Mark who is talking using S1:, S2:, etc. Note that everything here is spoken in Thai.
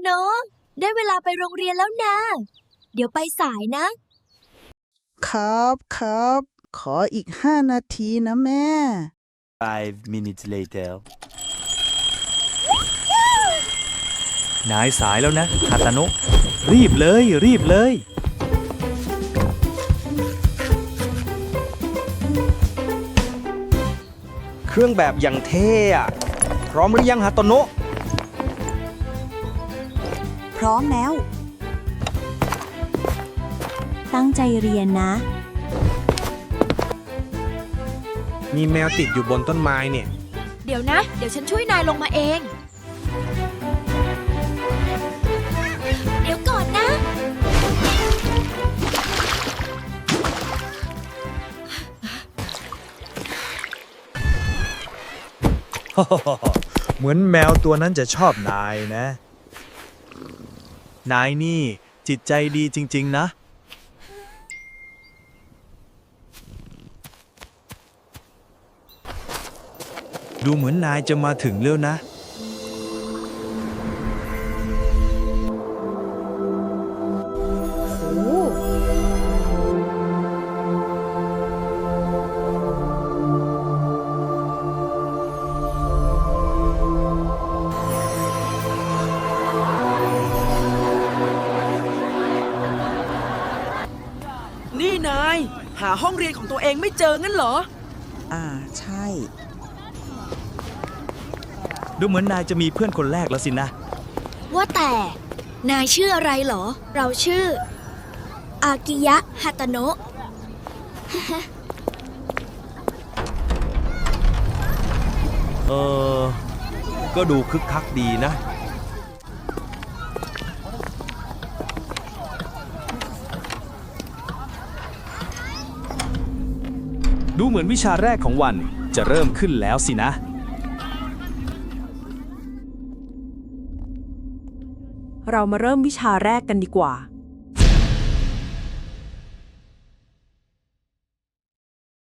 S1: โนะได้เวลาไปโรงเรียนแล้วนะ เดี๋ยวไปสายนะ
S2: ครับ ขออีก5 นาทีนะแม่
S3: 5 minutes later
S4: นายสายแล้วนะฮาตาโนะรีบเลย
S5: เครื่องแบบอย่างเท่อะพร้อมหรือยังฮาโตโนะ
S6: พร้อมแล้ว ตั้งใจเรียนนะ
S5: มีแมวติดอยู่บนต้นไม้เนี่ย
S1: เดี๋ยวนะ เดี๋ยวฉันช่วยนายลงมาเอง เดี๋ยวก่อนนะ
S4: เหมือนแมวตัวนั้นจะชอบนายนะ นายนี่จิตใจดีจริงๆนะ ดูเหมือนนายจะมาถึงแล้วนะ
S7: นี่นาย หาห้องเรียนของตัวเองไม่เจองั้นเหรอ
S2: ใช่
S4: ดูเหมือนนายจะมีเพื่อนคนแรกแล้วสินะ
S1: ว่าแต่นายชื่ออะไรเหรอ เราชื่อ อากิยะฮาตาโนะ
S5: ก็ดูคึกคักดีนะ
S4: ดูเหมือนวิชาแรกของวันจะเริ่มขึ้นแล้วสินะ
S6: เรามาเริ่มวิชาแรกกันดีกว่า